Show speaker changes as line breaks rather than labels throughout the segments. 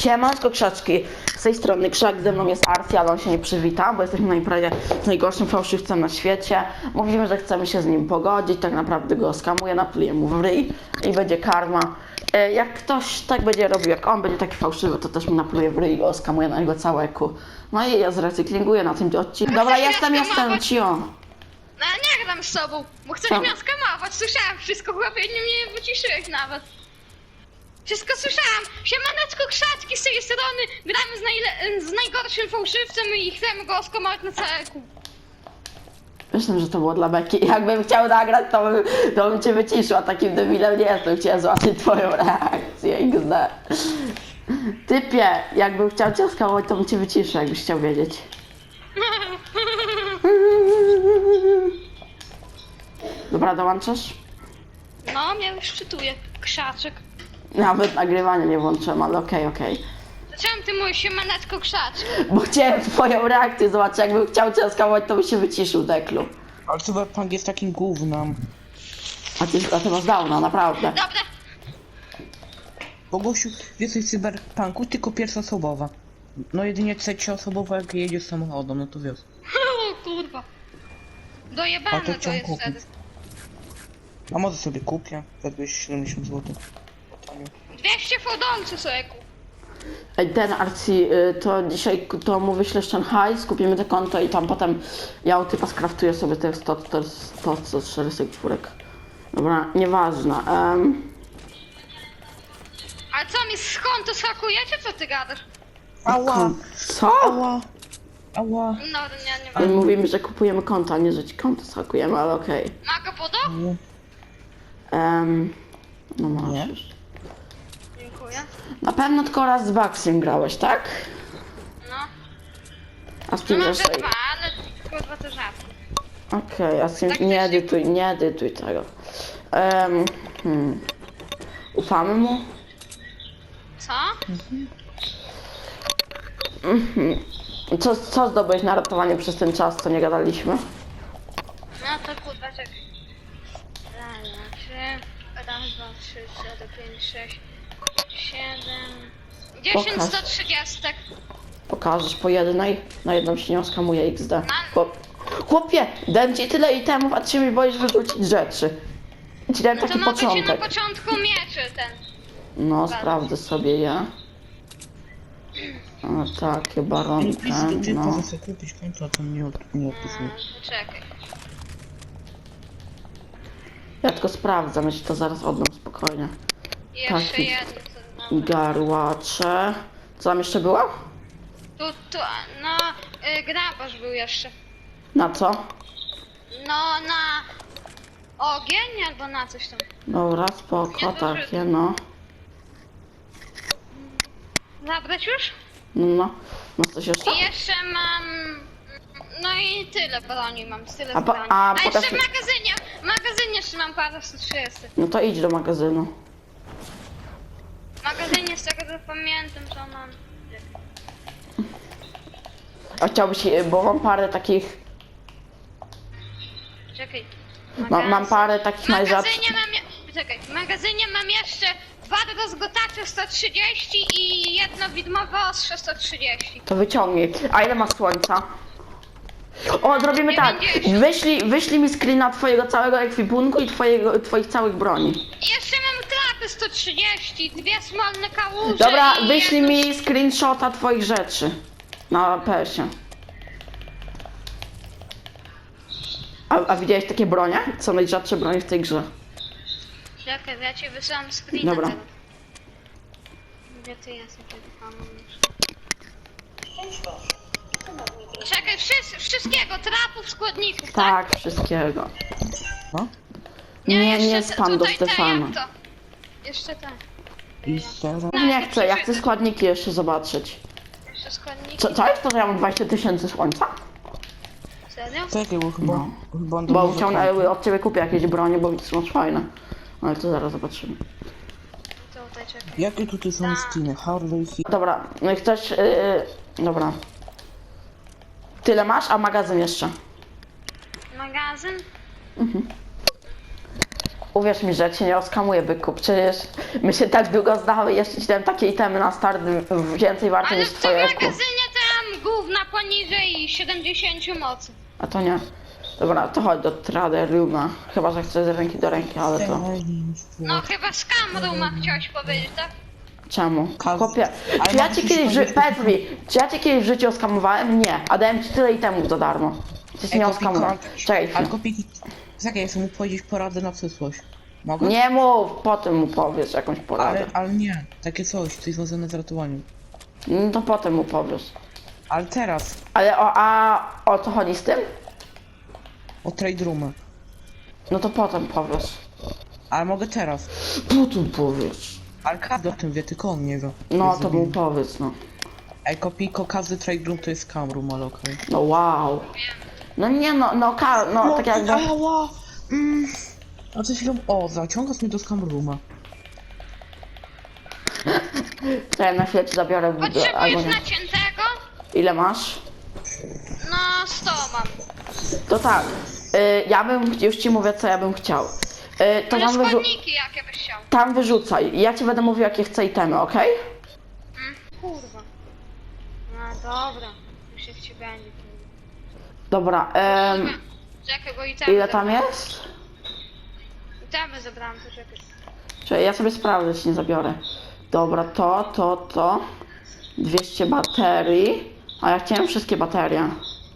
Siemanko krzaczki, z tej strony Krzak, ze mną jest Arsi, ale on się nie przywita, bo jesteśmy na imprezie z najgorszym fałszywcem na świecie. Mówimy, że chcemy się z nim pogodzić, tak naprawdę go skamuję, napluję mu w ryj i będzie karma. Jak ktoś tak będzie robił jak on, będzie taki fałszywy, to też mi napluje w ryj i go skamuję na jego całe ku. No i ja zrecyklinguję na tym odcinku. Dobra, jestem, cio.
No ja nie gram z sobą, bo chcesz
Co?
mnie skamować, słyszałem wszystko, chłopie, nie mnie wyciszyłeś nawet. Wszystko słyszałam. Siemaneczko krzaczki z tej strony, gramy z najgorszym fałszywcem i chcemy go skamować na całe kół.
Myślę, że to było dla beki. Jakbym chciał nagrać, to bym cię wyciszył, a takim debilem nie jestem. Chciałem zobaczyć twoją reakcję, XD. Typie, jakbym chciał cię skamować, to bym cię wyciszył, jakbyś chciał wiedzieć. Dobra, dołączasz?
No, mnie już czytuje, krzaczek.
Nawet nagrywania nie włączyłem, ale okej.
Czemu ty mówisz siemaneczko krzaczek?
Bo chciałem twoją reakcję zobaczyć, jakbym chciał cię skamować, to by się wyciszył, Deklu.
Ale Cyberpunk jest takim gównem.
A ty masz downa, naprawdę.
Dobra.
Bo gościu, więcej Cyberpunku, tylko pierwszoosobowa. No jedynie trzecioosobowa, jak jedziesz samochodem, no to wiesz.
O kurwa.
A
Dojebane
to
to jest
chciałem
wtedy.
kupić. A może sobie kupię, za 270 zł.
200 fodolcy sobie kup.
Ej, ten Arci, to dzisiaj to mu wyślesz ten hajs, kupimy te konto i tam potem ja u typa skraftuję sobie te 104 Dobra, nieważne.
Ale co mi skąd to schakujecie, co ty gadasz?
Ała!
Co?
Ała! Ała!
No, nie
My
wiem.
mówimy, że kupujemy konto, a nie, że ci konto skakujemy, ale okej.
Maga podo?
Nie.
No masz
Nie?
już.
Dziękuję.
Na pewno tylko raz z Baxiem grałeś, tak?
No.
A z
No
kim
może
jeszcze?
dwa, ale kurwa to rzadko.
Okej, a z kim...
Tak
Nie
też nie-
edytuj tego. Ufamy mu?
Co?
Co zdobyłeś na ratowanie przez ten czas, co nie gadaliśmy?
No to kurwa czekaj. Raz, dwa, trzy. Raz, dwa, trzy, cztery, pięć, sześć, siedem. 10
Pokaż.
130.
Pokażesz po jednej, na jedną się nie oskamuje XD. Chłopie, dałem ci tyle itemów, a ty się mi boisz wyrzucić rzeczy. Ci dałem
No to
taki
mogę ci na
początek.
początku mieczy ten.
No, sprawdzę sobie je. O, takie
Nie
baronki,
pisz do typa,
no.
że chcę kupić konto, a to nie odpisuje.
Czekaj.
Ja tylko sprawdzam, ja ci to zaraz oddam spokojnie.
Jeszcze
Taki.
jedno. co- no.
Garłacze. Co tam jeszcze było?
Tu, no, grabarz był jeszcze.
Na co?
No, na ogień albo na coś tam.
Dobra, spoko, takie no.
Zabrać już?
No. Masz coś jeszcze?
I jeszcze mam... No i tyle broni mam, tyle
A po-
broni.
a
jeszcze
pokaż-
w magazynie jeszcze mam parę 130.
No to idź do magazynu.
W magazynie z tego co pamiętam to mam...
A chciałbyś, bo mam parę takich...
Czekaj.
Mam parę takich
W
najrzadszych...
magazynie czekaj, w magazynie mam jeszcze 2 rozgotacze 130 i jedno widmowe ostrze 130.
To wyciągnij. A ile masz słońca? O, zrobimy tak.
90.
Wyślij mi screena twojego całego ekwipunku i twoich całych broni.
I jeszcze mam klapy 130, 2 smolne kałuże
Dobra,
i
wyślij
jedno-
mi screenshota twoich rzeczy. Na PS-ie. A widziałeś takie bronie? Co najrzadsze bronie w tej grze?
Czekaj, ja ci wysyłam screena
Dobra.
tego. Gdzie ty jesteś? Czekaj, wszystkiego, trapów, składników, tak?
Tak, wszystkiego.
No?
Nie
jeszcze
spam do
tutaj te,
Stefana.
jak to? Jeszcze te.
I teraz...
Nie chcę, ja chcę składniki jeszcze zobaczyć.
Jeszcze składniki.
Co jest to, że ja mam 20 000 słońca?
Serio?
Czekaj, bo chyba...
No.
Chyba on
Bo
domowy
chciał
konto.
od ciebie kupię jakieś bronie, bo widzę, masz fajne. Ale to zaraz zobaczymy.
Tutaj czekaj.
Jakie tutaj są skiny? Harley,
Dobra, no i chcesz... dobra. Tyle masz, a magazyn jeszcze.
Magazyn?
Uwierz mi, że cię nie oskamuję, byku. Przecież my się tak długo znamy, jeszcze ci dałem takie itemy na start więcej warte
Ale
niż
w tym
twoje eku.
magazynie tam gówna poniżej 70 mocy.
A to nie. Dobra, to chodź do Trader Rooma. Chyba, że chcesz z ręki do ręki, ale to...
No chyba z kamerą ma chciałeś powiedzieć, tak?
Czemu?
Kaz-
Chłopie,
ale
czy ja
mam
cię
coś
kiedyś,
powiedzieć.
powiedz mi, czy ja cię kiedyś w życiu oskamowałem? Nie, a dałem ci tyle itemów za darmo. Ty nie oskamowałem. Czekaj
Ale
chwilę.
kopiki... Czekaj, ja chcę mu powiedzieć poradę na przyszłość. Mogę?
Nie mów, potem mu powiesz jakąś poradę.
Ale nie, takie coś związane z ratowaniem.
No to potem mu powiesz.
Ale teraz,
Ale o co chodzi z tym?
o trade roomy.
No to potem powiesz.
Ale mogę teraz.
Potem powiesz.
Ale każdy o tym wie, tylko on nie wie.
No
Jest
to mu
debil.
powiedz, no.
Ej, kopiko, każdy trade room to jest cam room, ale okej.
No wow. No nie no, no tak jakby...
Ała! A coś chwilą... O, zaciągasz mnie do scam rooma.
Czekaj, na chwilę ci zabiorę albo
Potrzebujesz
nie.
naciętego?
Ile masz?
No 100 mam.
To tak. Ja bym, już ci mówię co ja bym chciał. To
Ale
tam,
składniki jakie byś chciał.
tam wyrzucaj. Ja ci będę mówił jakie chcę itemy, okej?
Kurwa. No dobra. Już jak ci będzie.
Dobra,
Czekaj, bo i tam.
ile tam jest?
I tam zabrałam, to czekaj.
Czekaj, ja sobie sprawdzę, czy nie zabiorę. Dobra, to. 200 baterii. A ja chciałem wszystkie baterie.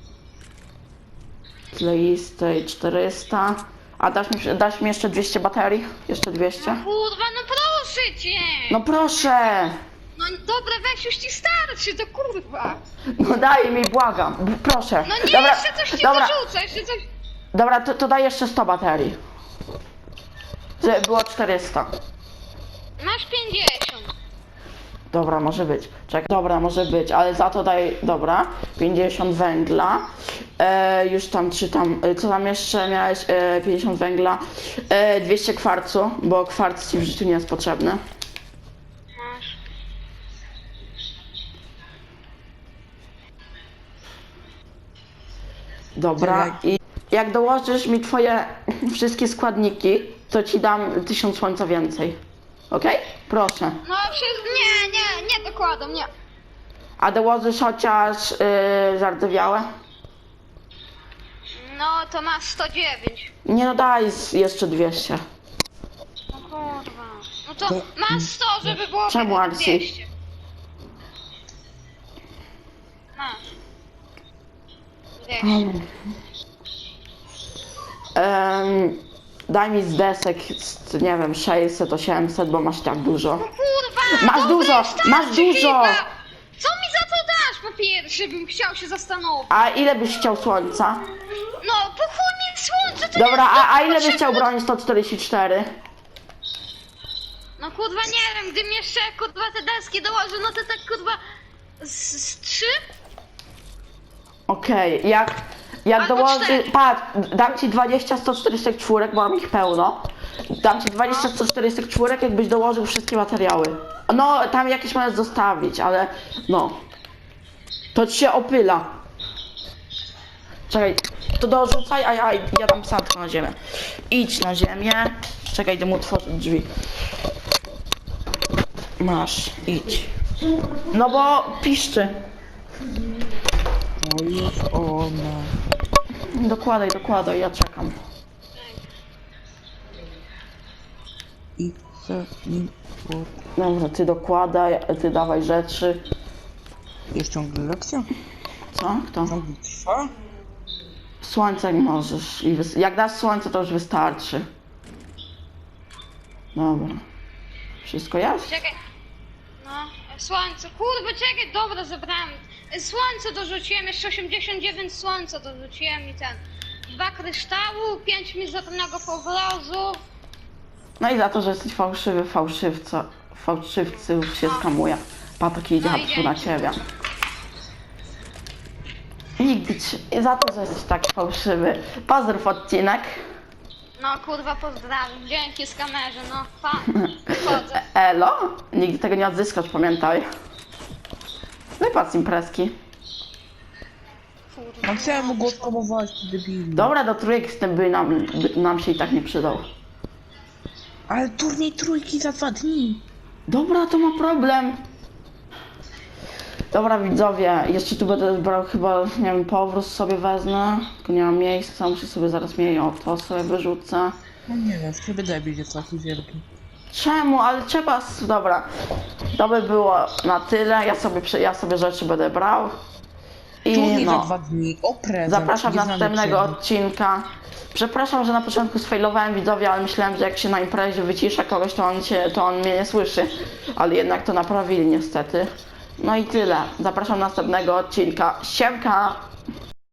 Kleistej 400. A dasz mi jeszcze 200 baterii? Jeszcze 200?
Kurwa, no proszę cię!
No proszę!
No dobra, weź już ci starczy, to kurwa.
No daj mi, błagam. Proszę.
No nie,
Dobra,
jeszcze coś ci
dobra,
dorzucę, jeszcze coś.
dobra, to daj jeszcze 100 baterii. Żeby było 400.
Masz 50.
Dobra, może być. Czekaj, dobra, może być, ale za to daj, dobra, 50 węgla. Już tam, co tam jeszcze miałeś? 50 węgla. 200 kwarcu, bo kwarc ci w życiu nie jest potrzebny.
Masz.
Dobra, i jak dołożysz mi twoje wszystkie składniki, to ci dam 1000 słońca więcej. Okej? Proszę.
No nie dokładam, nie.
A dołożysz chociaż zardzewiałe?
No to masz 109.
Nie no daj jeszcze 200.
No kurwa. No to masz 100, żeby było
Czemu,
chyba
Arsi?
200. Masz. 200.
Daj mi z desek, nie wiem, 600, 800, bo masz tak dużo.
Kurwa!
Masz
dobra,
dużo,
starczy
masz dużo!
chyba. Co mi za to dasz po pierwsze, bym chciał się zastanowić.
A ile byś chciał słońca?
No, po chuj mi słońce, to
Dobra,
jest
a ile byś
potrzebne.
chciał broni 144?
No kurwa nie wiem, gdybym jeszcze kurwa te deski dołożył, no to tak kurwa z 3?
Okej, jak
Albo
dołoży,
4.
patrz, dam ci 20 144, bo mam ich pełno. Dam ci 20 144, jakbyś dołożył wszystkie materiały. No, tam jakieś możesz zostawić, ale no. To ci się opyla. Czekaj, to dorzucaj, a ja dam psatko na ziemię. Idź na ziemię. Czekaj, idę mu otworzyć drzwi. Masz, idź. No bo piszczy.
O, już ona.
Dokładaj, ja czekam.
I chcę nim...
Dobra, ty dokładaj, ty dawaj rzeczy.
Jest ciągle lekcja?
Co? Kto?
Ciągle trwa?
Słońce jak możesz. Jak dasz słońce, to już wystarczy. Dobra. Wszystko jest?
Czekaj. No, słońce, kurwa czekaj, dobra zebrałem. Słońce dorzuciłem, jeszcze 89 słońca dorzuciłem i ten. 2 kryształu, 5 mizernego powrozu.
No i za to, że jesteś fałszywy, fałszywców się skamuje. Patok idzie
No i
hapsu na
dzięki.
ciebie. Nigdy ci, za to, że jesteś taki fałszywy. Pozdrów odcinek.
No kurwa pozdrawiam, dzięki skamerze, no pa, wychodzę.
Elo? Nigdy tego nie odzyskasz, pamiętaj. Wypad z imprezki.
Kurwa.
No chciałem mu go spamować, debilu.
Dobra, do trójek z tym by nam się i tak nie przydał.
Ale turniej trójki za 2 dni.
Dobra, to ma problem. Dobra widzowie, jeszcze tu będę brał chyba, nie wiem, powrót sobie wezmę. Tylko nie mam miejsca, muszę sobie zaraz mieć, o to sobie wyrzucę.
No nie wiem, chyba debil jest taki wielki.
Czemu? Ale trzeba... Dobra, to by było na tyle, ja sobie rzeczy będę brał.
Turniej
I
za
no,
2 dni, o prezent.
zapraszam do
nieznany
następnego
prezent.
odcinka. Przepraszam, że na początku sfailowałem widzowie, ale myślałem, że jak się na imprezie wycisza kogoś, to on mnie nie słyszy. Ale jednak to naprawili niestety. No i tyle. Zapraszam do następnego odcinka. Siemka!